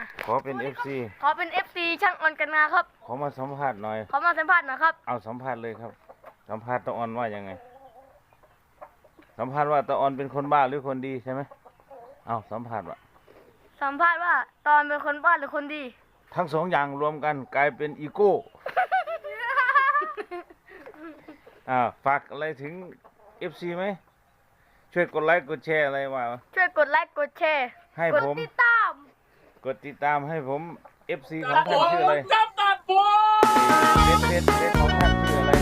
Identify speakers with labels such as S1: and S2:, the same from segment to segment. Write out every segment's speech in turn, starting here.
S1: ขอเป็น FC
S2: ขอเป็น FC ช่างออนกันนาครับ
S1: ขอมาสัมภาษณ์หน่อย
S2: ขอมาสัมภาษณ์หน่อยครับ
S1: เอาสัมภาษณ์เลยครับ สัมภาษณ์ตาออนว่ายังไง สัมภาษณ์ว่าตาออนเป็นคนบ้าหรือคนดีใช่ไหมเอาสัมภาษณ์ว่า
S2: สัมภาษณ์ว่าตอนเป็นคนบ้าหรือคนดี
S1: ทั้งสองอย่างรวมกันกลายเป็นอีโก้ ฝากอะไรถึง FC ไหม ช่วยกดไลค์กดแชร์อะไรว่า
S2: ช่วยกดไลค์กดแชร์
S1: ให้
S2: กด
S1: ผม
S2: ติดตาม
S1: กดติดตามให้ผม FC ของท่านชื่ออะไรเฟซของท่านชื่ออะไร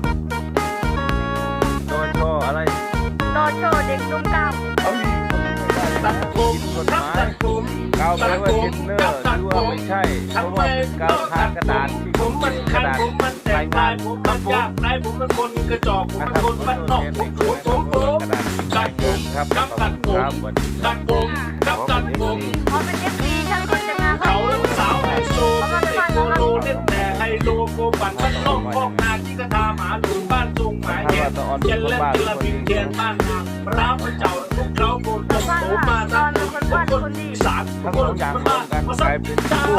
S1: โดยโชว์อะไร
S2: โดโชเด็กนุ่มกล้าม
S1: ตัดผมกฎหมายกาวแปลว่าเทนเนอร์หรือว่าไม่ใช่เพราะว่าเป็นกาวทากระดาษที่
S3: ผมมัน
S1: ก
S3: คั
S1: ระ
S3: น
S1: ดาษ
S3: ผมมันแต
S1: ราย
S3: ก
S1: งา
S3: ลาน ยผมมันยากลายผมมันคนกระจอกผม
S1: นะ
S3: มัน
S1: ครับ
S3: คนบ้านนอกผม
S1: กระดาษรายงานครับ
S3: ตัดผม
S1: สวัสดีค
S3: ตั
S1: รั
S3: ด
S1: บ
S3: ผมตัดผม
S2: ขอเป็น FC ช่างออนกันนาครั
S3: เขา
S2: บ
S3: แล้วสาวไฮโซไม่โกโลเล่นแต่ไฮโลโกปั่นบ้านนอกพอกนาที่กระทาหมาหลุมบ้านทรงหมายแกนเจนเล่นเจลาบินเทียนบ้านนาร้าวพระเจ้าทุกเขาโกนตกโผมาทั้งคนอีสาน
S1: ทั้ง
S3: ค
S1: ส
S3: น
S1: องอย่างร
S3: บ้าว
S1: ม
S3: น
S1: กัน
S3: มาก
S1: ลายเป็นอีโก้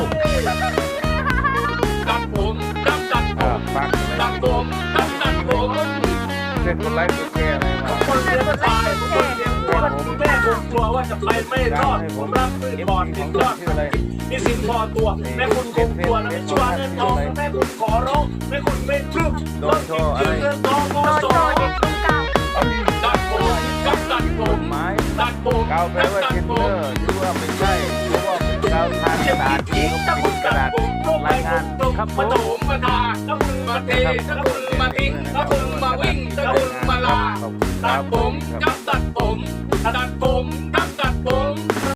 S3: ตัดผมตัดผม
S1: ฝากอะไร
S3: ตัดผมตัดผม
S1: ช่วยกดไลค์กดแชร์อะไรมา
S3: คนเลี้ยงตายคนเลี้ยงคนแม่ผมกลัวว่าจะไปไม่รอดผมรักมือบอลติดยอดมีสิ่งพอตัวแม่คุณคงกลัวนะไม่ชัวร์เงินทองแม่คุณขอร้องแม่คุณไม่พรึบรถกินเงินทองก็
S2: โด
S3: ส
S2: โช
S3: อง
S2: เด็กนุ่มกล้าม
S3: ตัดผมกับตัดผ
S1: ก
S3: ม
S1: ฎหมาย
S3: ตัดผม
S1: กาวแปลว่า
S3: ตั
S1: เท
S3: ด
S1: น
S3: ผ
S1: เนอ
S3: ม
S1: ร์หรือว่าไม่ใช่หรือว่าเป็นกาวทากระดาษที่เขา
S3: ถ้า
S1: ปิ
S3: คุ
S1: ด
S3: ณ
S1: ก
S3: ตั
S1: ระ
S3: ด
S1: ดาษ
S3: ผม
S1: รายงานครับผ
S3: มาม โถมมาทาถ้าคุณมาเทถ้าคุณมาทิ้งถ้าคุณมาวิ่งถ้าคุณมาลา
S1: ขอบคุณค
S3: ตั
S1: รั
S3: ด
S1: บ
S3: ผมกับตัดผมตัดผ